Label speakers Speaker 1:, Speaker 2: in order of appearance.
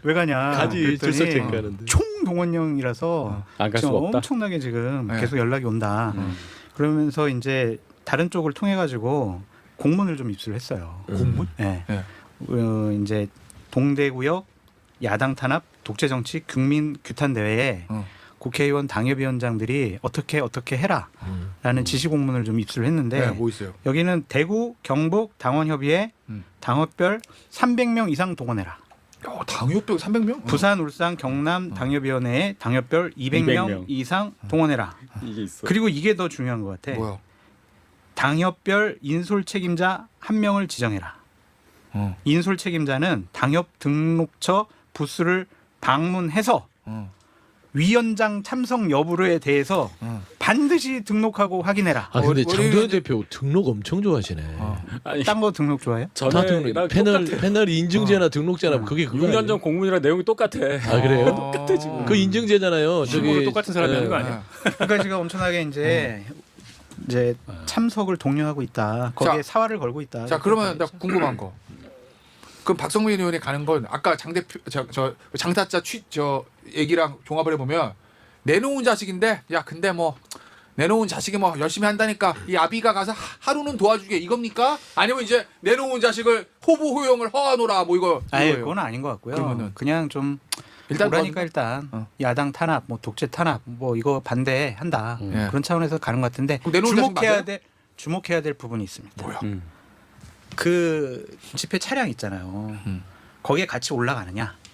Speaker 1: 왜 가냐?
Speaker 2: 가지
Speaker 1: 그랬더니
Speaker 2: 출석 체크하는데.
Speaker 1: 총동원령이라서
Speaker 2: 안 갈
Speaker 1: 지금
Speaker 2: 수가 없다.
Speaker 1: 엄청나게 지금
Speaker 3: 네.
Speaker 1: 계속 연락이 온다. 그러면서 이제 다른 쪽을 통해 가지고 공문을 좀 입수를 했어요.
Speaker 3: 공문?
Speaker 1: 네.
Speaker 3: 네.
Speaker 1: 이제 동대구역 야당 탄압 독재 정치 국민 규탄 대회에 국회의원 당협위원장들이 어떻게 해라라는 지시 공문을 좀 입수를 했는데
Speaker 3: 네, 뭐 있어요?
Speaker 1: 여기는 대구 경북 당원협의회 당협별 300명 이상 동원해라.
Speaker 3: 당협병 300명?
Speaker 1: 부산, 울산, 경남 당협위원회에 당협별 200명
Speaker 2: 200명.
Speaker 1: 이상 동원해라.
Speaker 2: 이게 있어.
Speaker 1: 그리고 이게 더 중요한 것 같아.
Speaker 3: 뭐야?
Speaker 1: 당협별 인솔 책임자 한 명을 지정해라. 인솔 책임자는 당협 등록처 부스를 방문해서 위원장 참석 여부에 대해서 반드시 등록하고 확인해라.
Speaker 2: 아 근데
Speaker 3: 머리-
Speaker 2: 장도연 대표 등록 엄청 좋아하시네.
Speaker 4: 아니
Speaker 1: 딴 거 등록 좋아해요?
Speaker 2: 다
Speaker 4: 전에랑
Speaker 2: 등록.
Speaker 4: 똑같아.
Speaker 2: 패널 인증제나 등록제나 그게 그거
Speaker 4: 6년
Speaker 2: 아니에요?
Speaker 4: 전 공문이랑 내용이 똑같아.
Speaker 2: 아 그래요?
Speaker 4: 똑같아 지금.
Speaker 2: 그 인증제잖아요.
Speaker 4: 실무로
Speaker 2: 저기
Speaker 4: 똑같은 사람이 하는 거 아니야?
Speaker 1: 그러니까 지금 엄청나게 이제 참석을 독려하고 있다. 거기에
Speaker 3: 자,
Speaker 1: 사활을 걸고 있다.
Speaker 3: 자, 그러면 나 궁금한 거. 그럼 박성민 의원이 가는 건 아까 장 대표 저 장타자 저 얘기랑 종합을 해보면 내놓은 자식인데 야 근데 뭐 내놓은 자식이 뭐 열심히 한다니까 이 아비가 가서 하루는 도와주게 이겁니까? 아니면 이제 내놓은 자식을 호부 호용을 허하노라 뭐 이거
Speaker 1: 아예
Speaker 3: 이거예요?
Speaker 1: 그건 아닌 것 같고요.
Speaker 3: 그러면은
Speaker 1: 그냥 좀
Speaker 3: 일단
Speaker 1: 그러니까 일단 야당 탄압, 뭐 독재 탄압, 뭐 이거 반대한다
Speaker 3: 예.
Speaker 1: 그런 차원에서 가는 것 같은데
Speaker 3: 그럼 내놓은 자식 맞아요?
Speaker 1: 주목해야 될 부분이 있습니다.
Speaker 3: 뭐야?
Speaker 1: 그 집회 차량 있잖아요. 거기에 같이 올라가느냐?